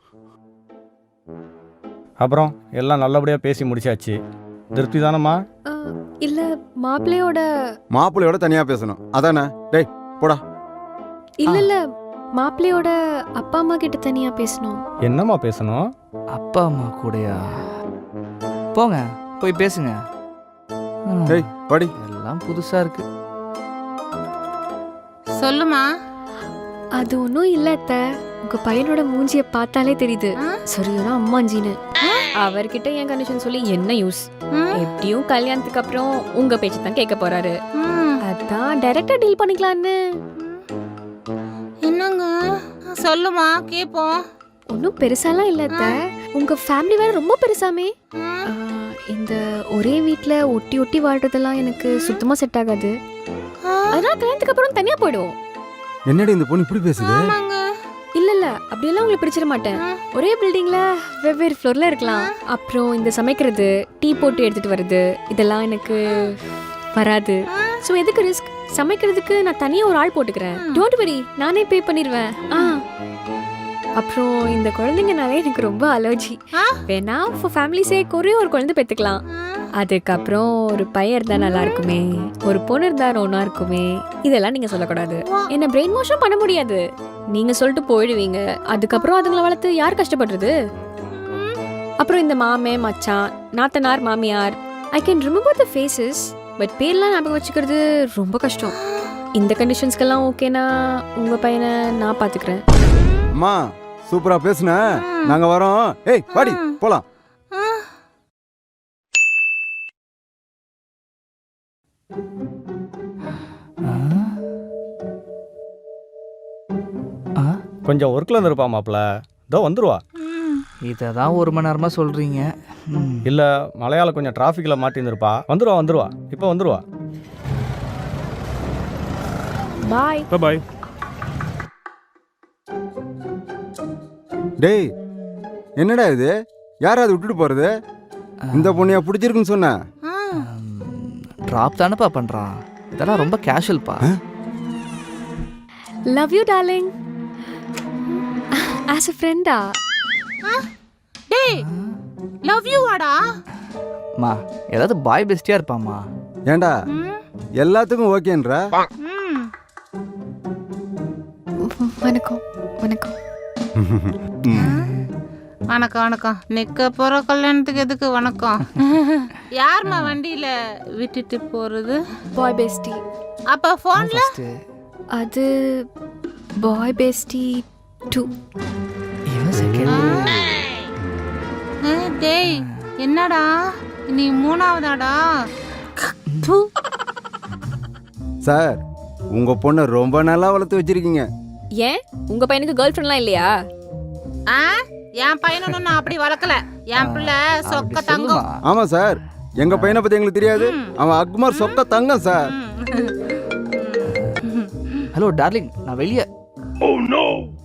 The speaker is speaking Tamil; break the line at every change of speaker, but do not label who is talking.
அப்புறம் எல்லாம் நல்லபடியாக பேசி முடிச்சாச்சு. திருப்தி தானம்மா?
இல்ல
மாப்பிள்ளையோட தனியா பேசணும் அதானே? டேய் போடா.
இல்ல மாப்பிள்ளையோட அப்பா அம்மா கிட்ட தனியா பேசணும்.
என்னம்மா பேசணும்?
அப்பா அம்மா கூடயா? போங்க போய் பேசுங்க.
டேய் வாடி.
எல்லாம் புதுசா இருக்கு.
சொல்லுமா.
அது ஒன்றும் இல்ல அத்தை. உங்க பையனோட மூஞ்சிய பார்த்தாலே தெரியுது சரியான அம்மாஞ்சின்னு. அவர்கிட்ட என் கண்டிஷன் சொல்லி என்ன யூஸ்? எப்படியும் கல்யாணத்துக்கு அப்புறம் உங்க பேச்சு தான் கேட்க போறாரு. அதான் டைரக்டா டீல் பண்ணிக்கலான்னு.
என்னங்க சொல்லுமா கேப்போம்.
ஒன்றும் பெருசாலாம் இல்ல அத்தை. உங்க ஃபேமிலி வேற ரொம்ப பெருசாமே. இந்த ஒரே வீட்ல ஒட்டி ஒட்டி வாழ்றதெல்லாம் எனக்கு சுத்தமா செட் ஆகாது. அதனால கல்யாணத்துக்கு அப்புறம் தனியா போயிடுவோம்.
என்னடி இந்த பொண்ணு இப்படி பேசுது?
இல்ல அப்படியெல்லாம் உங்களுக்கு பிடிச்சிட மாட்டேன். ஒரே பில்டிங்ல வெவ்வேறு ஃப்ளோர்ல இருக்கலாம். அப்புறம் இந்த சமைக்கிறது, டீ போட்டு எடுத்துட்டு வருது, இதெல்லாம் எனக்கு வராது. ஸோ எதுக்கு ரிஸ்க்? சமைக்கிறதுக்கு நான் தனியா ஒரு ஆள் போட்டுக்கிறேன். டோன்ட் வரி, நானே பே பண்ணிடுவேன். அப்புறம் இந்த குழந்தைங்கனாலே எனக்கு ரொம்ப அலர்ஜி. வேணா ஃபார் ஃபேமிலி சேக் ஒரே ஒரு குழந்தை பெற்றுக்கலாம். அதுக்கப்புறம் ஒரு பையன் இருந்தா நல்லா இருக்குமே, ஒரு பொண்ணு இருந்தா ஒன்னா இருக்குமே. இதெல்லாம் நீங்க சொல்லக்கூடாது. என்ன பிரெயின் வாஷும் பண்ண முடியாது. நீங்க சொல்லிட்டு போயிடுவீங்க. அதுக்கப்புறம் அதுங்களை வளர்த்து யார் கஷ்டப்படுறது? அப்புறம் இந்த மாமே மச்சான், நாத்தனார், மாமியார், I can remember the faces, but பேர்லாம் ஞாபகம் வச்சுக்கிறது ரொம்ப கஷ்டம். இந்த கண்டிஷன்ஸ்க்கெல்லாம் ஓகேனா உங்க பையனை நான் பாத்துக்கிறேன்.
அம்மா சூப்பரா பேசுன, நாங்க வரோம். ஏய் வாடி போலாம்.
கொஞ்சம் ஒர்க்கில் இருந்திருப்பா மாப்பிள்ள. இதோ வந்துருவா.
இதை தான் 1 மணி நேரமாக சொல்கிறீங்க.
இல்லை மலையாள கொஞ்சம் டிராஃபிக்கில் மாட்டியிருந்திருப்பா. வந்துருவா இப்போ வந்துருவா.
பாய்
பாய்.
டேய் என்னடா இது? யாராவது விட்டுட்டு போறது? இந்த பொண்ணையா பிடிச்சிருக்குன்னு சொன்ன?
ட்ராப் தானேப்பா பண்ணுறான். இதெல்லாம் ரொம்ப கேஷுவல்ப்பா.
Love you darling. As a friend-ஆ?
டேய் லவ் யூ வாடா.
மா ஏதாவது பாய் பெஸ்டியாக இருப்பாம்மா.
ஏண்டா எல்லாத்துக்கும் ஓகேன்ற?
வணக்கம் வணக்கம்.
வணக்கம் வணக்கம். நிக்க போற கல்யாணத்துக்கு எதுக்கு வணக்கம்? யாருமா வண்டியில விட்டுட்டு போறது?
Bye bestie.
அப்ப போன்ல
அது பாய் பெஸ்டி 2.
டேய் என்னடா நீ 3ஆவதாடா?
சார் உங்க பொண்ணை ரொம்ப நல்லா வளர்த்து வச்சிருக்கீங்க.
ஏன் உங்க பையனுக்கு கேர்ள் ஃப்ரெண்ட்லாம் இல்லையா?
என் பையனும் நான் அப்படி வளர்க்கல. என் பிள்ளை சொக்க தங்கம்.
ஆமா சார், எங்க பையனை பத்தி எங்களுக்கு தெரியாது. அவன் அக்மார் சொக்க தங்கம் சார்.
ஹலோ டார்லிங், நான் வெளியே.
Oh no.